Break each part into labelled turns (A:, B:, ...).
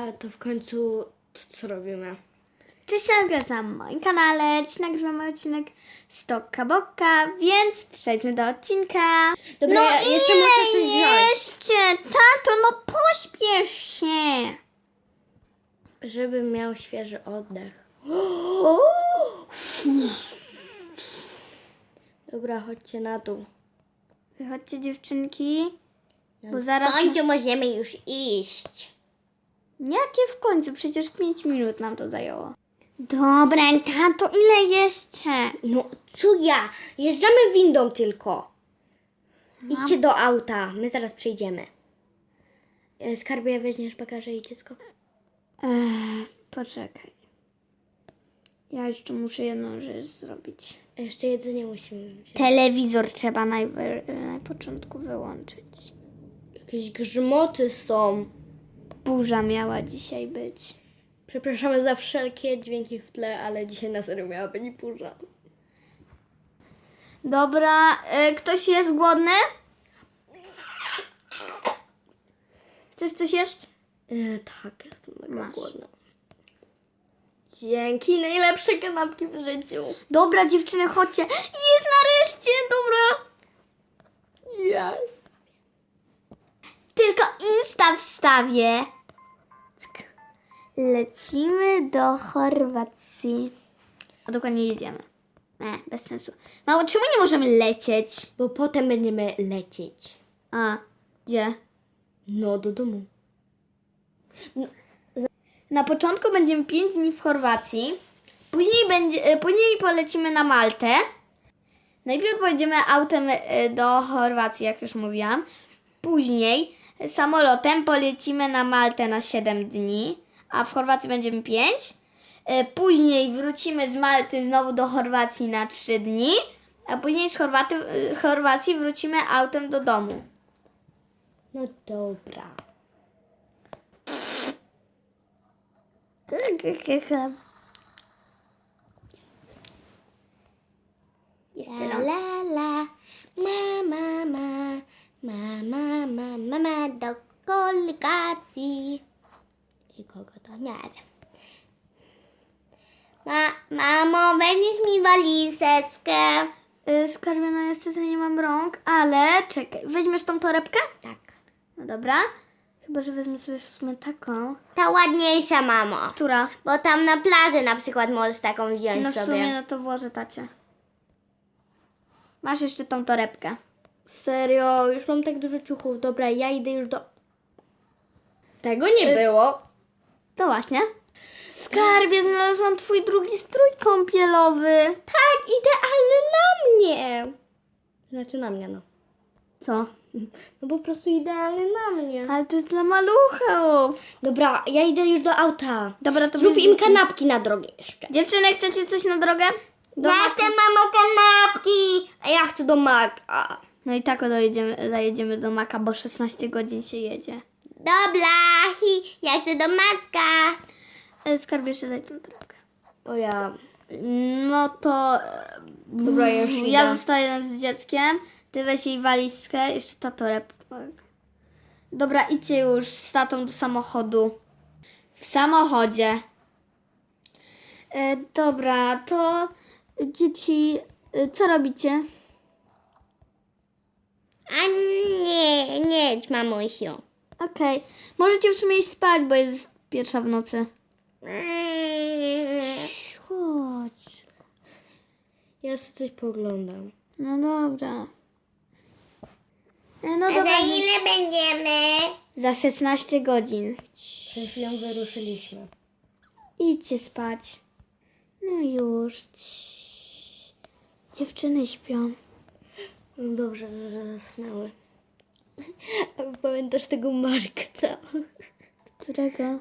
A: to w końcu co robimy?
B: Cześć, na moim kanale. Dziś nagrywamy odcinek Stoka Boka, więc przejdźmy do odcinka.
A: Dobra, ja jeszcze muszę coś wziąć.
B: Jeszcze, tato, no pośpiesz się.
A: Żeby miał świeży oddech. Dobra, chodźcie na dół.
B: Wychodźcie, dziewczynki, bo zaraz...
A: W końcu możemy już iść.
B: Jakie w końcu? Przecież 5 minut nam to zajęło. Dobra, tato, ile jeszcze?
A: No, co ja? Jeżdżamy windą tylko. Idźcie do auta, my zaraz przyjdziemy. Skarbie, weźmiesz bagaże i dziecko?
B: Poczekaj. Ja jeszcze muszę jedną rzecz zrobić.
A: Jeszcze jedzenie musimy wziąć.
B: Telewizor trzeba na początku wyłączyć.
A: Jakieś grzmoty są.
B: Burza miała dzisiaj być.
A: Przepraszamy za wszelkie dźwięki w tle, ale dzisiaj na serio miała być burza.
B: Dobra, ktoś jest głodny? Chcesz coś jeść?
A: Tak, jestem mega
B: Masz.
A: głodna. Dzięki, najlepsze kanapki w życiu.
B: Dobra, dziewczyny, chodźcie. Jest nareszcie, dobra.
A: Jest.
B: Tylko Insta wstawię. Cyk. Lecimy do Chorwacji. A dokładnie jedziemy. Bez sensu. Mało, czemu nie możemy lecieć?
A: Bo potem będziemy lecieć.
B: A, gdzie?
A: No, do domu.
B: Na początku będziemy 5 dni w Chorwacji. Później polecimy na Maltę. Najpierw pojedziemy autem do Chorwacji, jak już mówiłam. Później samolotem polecimy na Maltę na 7 dni, a w Chorwacji będziemy 5. Później wrócimy z Malty znowu do Chorwacji na 3 dni, a później z Chorwacji wrócimy autem do domu.
A: No dobra.
B: Jest
A: La la la, mama do koligacji. I kogo to nie wiem. Mamo, weźmiesz mi walizeczkę?
B: Skarbie, no niestety nie mam rąk, ale czekaj, weźmiesz tą torebkę?
A: Tak.
B: No dobra. Chyba, że wezmę sobie w sumie taką.
A: Ta ładniejsza, mamo.
B: Która?
A: Bo tam na plaży na przykład możesz taką wziąć
B: No w
A: sobie.
B: sumie, no to włożę tacie. Masz jeszcze tą torebkę.
A: Serio, już mam tak dużo ciuchów. Dobra, ja idę już do... Tego nie było.
B: To właśnie. Skarbie, znalazłam twój drugi strój kąpielowy.
A: Tak, idealny na mnie. Znaczy na mnie, no.
B: Co?
A: No po prostu idealny na mnie.
B: Ale to jest dla maluchów.
A: Dobra, ja idę już do auta.
B: Dobra, to
A: Zrób im
B: weźmiecie-
A: kanapki na drogę jeszcze.
B: Dziewczyny, chcecie coś na drogę? Do
A: Ja
B: Maka?
A: chcę, mamo, kanapki. A ja chcę do Maka.
B: No i tak zajedziemy do Maka, bo 16 godzin się jedzie.
A: Dobra, ja chcę do Macka.
B: Skarbie, jeszcze daj tą torebkę.
A: O ja.
B: No to...
A: Dobra, ja już idę.
B: Ja zostaję z dzieckiem. Ty weź jej walizkę. Jeszcze ta torebka. Dobra, idźcie już z tatą do samochodu. W samochodzie. Dobra, to dzieci, co robicie?
A: A nie, mamusiu.
B: Okej. Możecie w sumie iść spać, bo jest 1:00 w nocy. Chodź.
A: Ja sobie coś poglądam.
B: No dobra. No
A: A
B: dobra.
A: za ile będziemy?
B: Za 16 godzin.
A: Przed chwilą wyruszyliśmy.
B: Idźcie spać. No już. Dziewczyny śpią.
A: No dobrze, że zasnęły. A pamiętasz tego Marka?
B: Którego?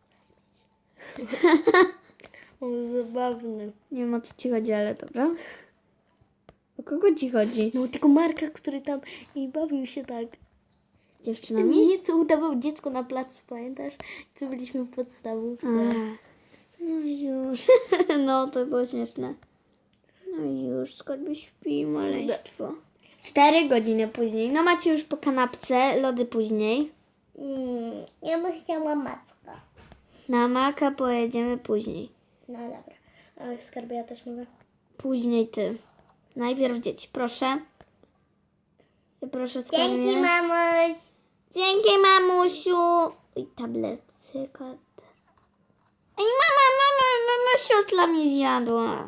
A: On zabawny.
B: Nie wiem, o co ci chodzi, ale dobra. O kogo ci chodzi?
A: No tego Marka, który tam i bawił się tak.
B: Z dziewczynami?
A: Nie, co udawał dziecko na placu, pamiętasz? Co byliśmy w podstawówce.
B: No już. No, to było śmieszne. No już, skarbie śpi, maleństwo. 4 godziny później. No macie już po kanapce, lody później.
A: Ja bym chciała Macka.
B: Na Maka pojedziemy później.
A: No dobra. A skarbie ja też mogę?
B: Później ty. Najpierw dzieci, proszę. Proszę skarbie.
A: Dzięki, mamuś.
B: Dzięki, mamusiu. I tablet, cykat. Ej, mama, siostra mi zjadła.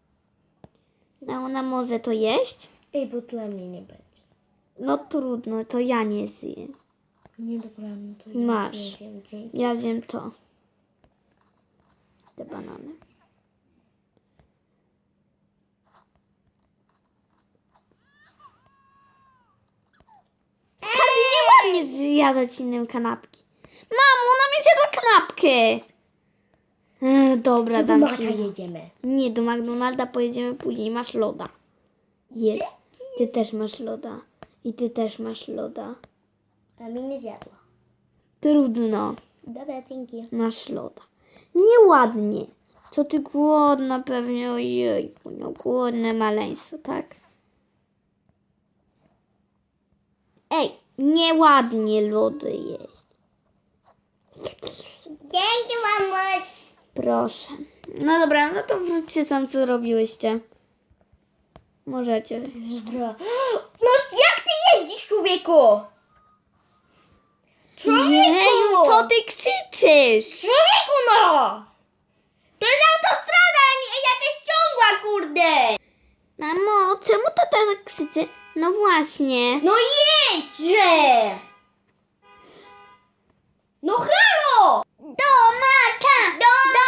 B: A ona może to jeść?
A: Ej, bo dla mnie nie będzie.
B: No trudno, to ja nie zjem.
A: Nie, dobra, no to ja
B: Masz.
A: nie zjem. Dzięki.
B: Ja zjem to. Te banany. Skarbie, nie ładnie zjadać innym kanapki. Mamo, ona mi zjadła kanapkę. Dobra,
A: To do
B: dam
A: Maka
B: ci.
A: jedziemy.
B: Nie, do McDonalda pojedziemy później. Masz loda. Jedz. Ty też masz loda. I ty też masz loda.
A: A mi nie zjadła.
B: Trudno.
A: Dobra, dzięki.
B: Masz loda. Nieładnie. Co ty głodna pewnie, ojejku, no głodne maleństwo, tak? Ej, nieładnie lody jeść.
A: Dzięki, mamuś.
B: Proszę. No dobra, no to wróćcie tam, co robiłyście. Możecie.
A: Dobra. No jak ty jeździsz, człowieku?
B: Jeju, co ty krzyczysz?
A: Człowieku, no! To jest autostrada, a nie jakaś ciągła, kurde!
B: Mamo, czemu tata tak krzyczy? No właśnie.
A: No jedźże! No halo! Do Maka!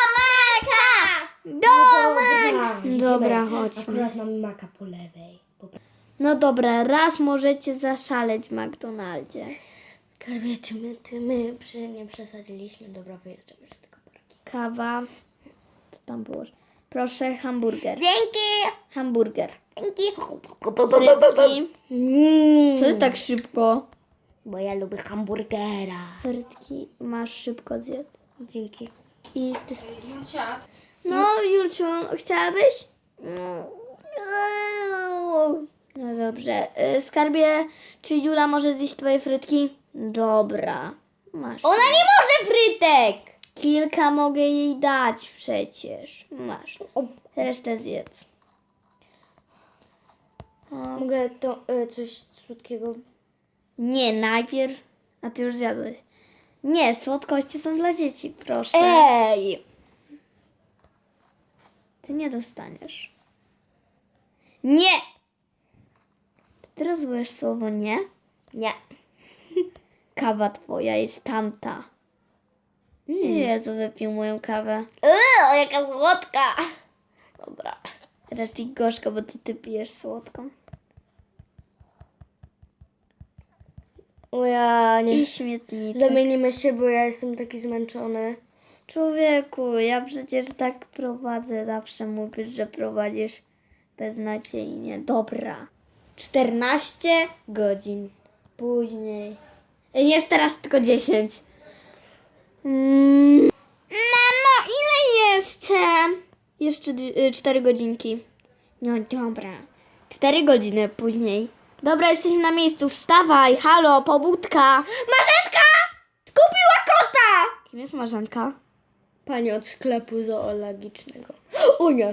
A: Do Maka!
B: Dobra, chodźmy.
A: Akurat mamy Maka po lewej.
B: No dobra, raz możecie zaszaleć w McDonaldzie.
A: Skarbie, czy my nie przesadziliśmy? Dobra, wyjeżdżamy z tego parki.
B: Kawa. Co tam było? Proszę, hamburger.
A: Dzięki!
B: Hamburger.
A: Dzięki!
B: Frytki. Co ty tak szybko?
A: Bo ja lubię hamburgera.
B: Frytki masz szybko zjedz.
A: Dzięki.
B: I ty... No, Julciu, chciałabyś? No dobrze. Skarbie, czy Jula może zjeść twoje frytki? Dobra. Masz.
A: Ona nie może frytek!
B: Kilka mogę jej dać przecież. Masz. Resztę zjedz.
A: Mogę to coś słodkiego?
B: Nie, najpierw. A ty już zjadłeś. Nie, słodkości są dla dzieci, proszę.
A: Ej!
B: Ty nie dostaniesz. Nie! Ty teraz złujesz słowo nie?
A: Nie.
B: Kawa twoja jest tamta. Jezu, wypił moją kawę.
A: Jaka słodka! Dobra.
B: Raczej gorzka, bo ty pijesz słodką.
A: O ja nie.
B: I śmietniczek.
A: Zamienimy się, bo ja jestem taki zmęczony.
B: Człowieku, ja przecież tak prowadzę. Zawsze mówisz, że prowadzisz beznadziejnie. Dobra. 14 godzin później. Jeszcze teraz tylko 10. Mamo, ile jestem? Jeszcze 4 godzinki. No dobra. 4 godziny później. Dobra, jesteśmy na miejscu. Wstawaj, halo, pobudka.
A: Marzenka! Kupiła kota!
B: Kim jest Marzanka?
A: Pani od sklepu zoologicznego. O nie!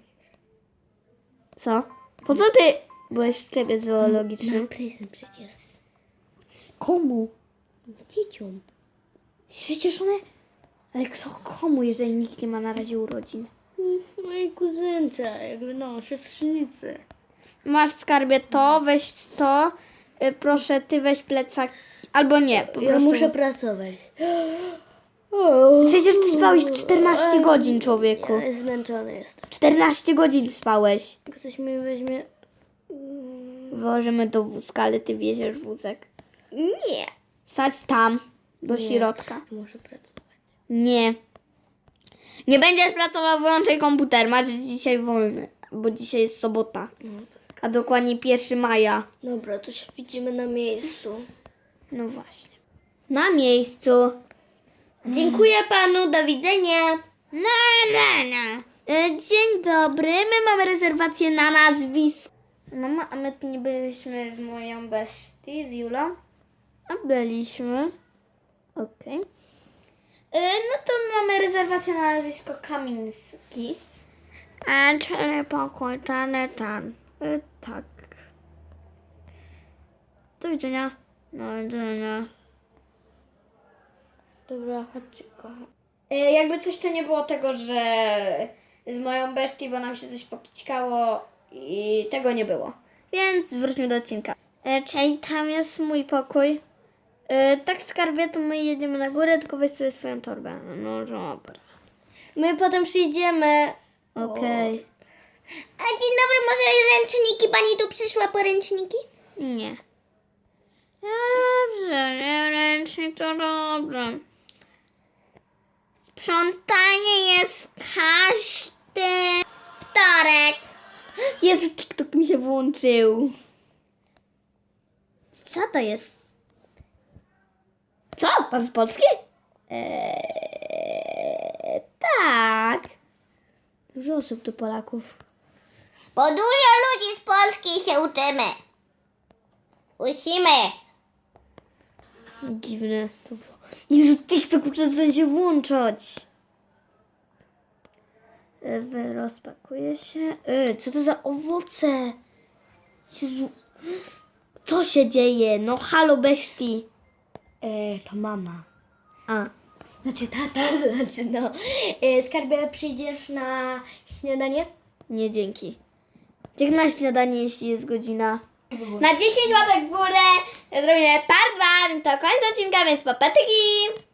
B: Co? Po co ty byłeś w sklepie zoologicznym?
A: Prezent przecież.
B: Komu?
A: Dzieciom.
B: Przecież one... Ale kto komu, jeżeli nikt nie ma na razie urodzin?
A: Mojej kuzynce, jakby no, siostrzeńcy.
B: Masz skarbie to, weź to. Proszę, ty weź plecak. Albo nie, po
A: Ja
B: prostu.
A: muszę pracować.
B: Przecież ty spałeś 14 godzin, człowieku.
A: Ja zmęczony jestem.
B: 14 godzin spałeś.
A: Ktoś mi weźmie...
B: Włożymy do wózka, ale ty wieziesz wózek.
A: Nie.
B: Sadź tam, do środka.
A: Muszę pracować.
B: Nie. Nie będziesz pracował, wyłączaj komputer. Masz dzisiaj wolny, bo dzisiaj jest sobota. A dokładnie 1 maja.
A: Dobra, to się widzimy na miejscu.
B: No właśnie. Na miejscu.
A: Dziękuję panu, do widzenia.
B: Dzień dobry, my mamy rezerwację na nazwisko. No, a my tu nie byliśmy z moją bestii, z Julą? A byliśmy. Okej. No to mamy rezerwację na nazwisko Kamiński. Czyli pokój, tak. Do widzenia. Do widzenia.
A: Dobra, chodźcie, kocham.
B: Jakby coś to nie było tego, że z moją bestią, bo nam się coś pokićkało i tego nie było. Więc wróćmy do odcinka. Czyli tam jest mój pokój. Tak, skarbie, to my jedziemy na górę, tylko weź sobie swoją torbę. No dobra.
A: My potem przyjdziemy.
B: Okej.
A: A dzień dobry, może ręczniki? Pani tu przyszła po ręczniki?
B: Nie. No dobrze, nie ręcznik to dobrze. Sprzątanie jest w każdy
A: Wtorek.
B: Jezu, TikTok mi się włączył. Co to jest? Co? Pan z Polski? Tak. Dużo osób tu Polaków.
A: Bo dużo ludzi z Polski się uczymy. Musimy.
B: Dziwne to było. Jezu, TikTok przestań się włączać. Rozpakuje się. Co to za owoce? Jezu. Co się dzieje? No halo bestii.
A: To mama.
B: A.
A: Znaczy tata, znaczy no. Skarbie, przyjdziesz na śniadanie?
B: Nie, dzięki. Jak na śniadanie, jeśli jest godzina. Na 10 łapek w górę zrobimy part 2, więc to koniec odcinka, więc papatyki!